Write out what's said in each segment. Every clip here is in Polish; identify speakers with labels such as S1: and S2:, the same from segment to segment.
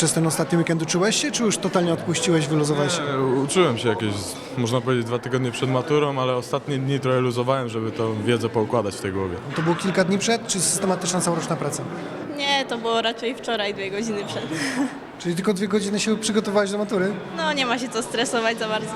S1: przez ten ostatni weekend uczyłeś się, czy już totalnie odpuściłeś, wyluzowałeś się?
S2: Uczyłem się jakieś, można powiedzieć, 2 tygodnie przed maturą, ale ostatnie dni trochę luzowałem, żeby tą wiedzę poukładać w tej głowie.
S1: To było kilka dni przed, czy systematyczna całoroczna praca?
S3: Nie, to było raczej wczoraj 2 godziny przed.
S1: Czyli tylko 2 godziny się przygotowałeś do matury?
S3: No nie ma się co stresować za bardzo.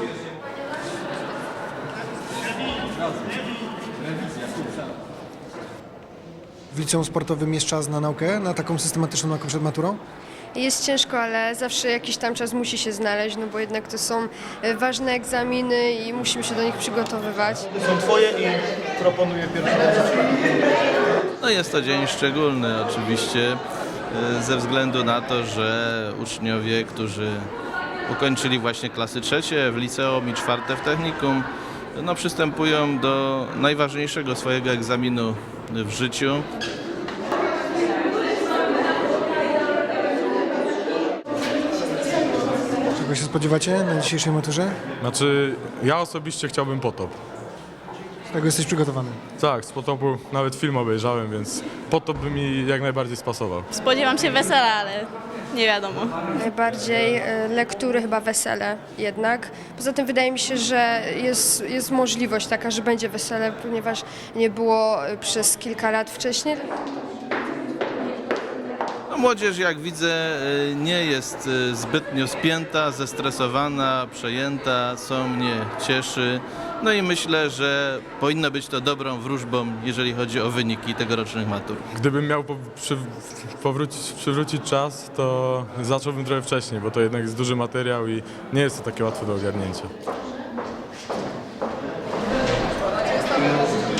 S1: W liceum sportowym jest czas na naukę, na taką systematyczną naukę przed maturą?
S4: Jest ciężko, ale zawsze jakiś tam czas musi się znaleźć, no bo jednak to są ważne egzaminy i musimy się do nich przygotowywać.
S5: Są twoje i proponuję pierwszą.
S6: No jest to dzień szczególny oczywiście ze względu na to, że uczniowie, którzy ukończyli właśnie klasy 3 w liceum i 4 w technikum, no przystępują do najważniejszego swojego egzaminu w życiu.
S1: Czego się spodziewacie na dzisiejszej maturze?
S2: Znaczy, ja osobiście chciałbym potop.
S1: Z tego jesteś przygotowany.
S2: Tak, z potopu nawet film obejrzałem, więc potop by mi jak najbardziej spasował.
S3: Spodziewam się wesela, ale nie wiadomo.
S4: Najbardziej lektury, chyba wesele jednak. Poza tym wydaje mi się, że jest możliwość taka, że będzie wesele, ponieważ nie było przez kilka lat wcześniej.
S6: No, młodzież, jak widzę, nie jest zbytnio spięta, zestresowana, przejęta, co mnie cieszy. No i myślę, że powinno być to dobrą wróżbą, jeżeli chodzi o wyniki tegorocznych matur.
S2: Gdybym miał przywrócić czas, to zacząłbym trochę wcześniej, bo to jednak jest duży materiał i nie jest to takie łatwe do ogarnięcia.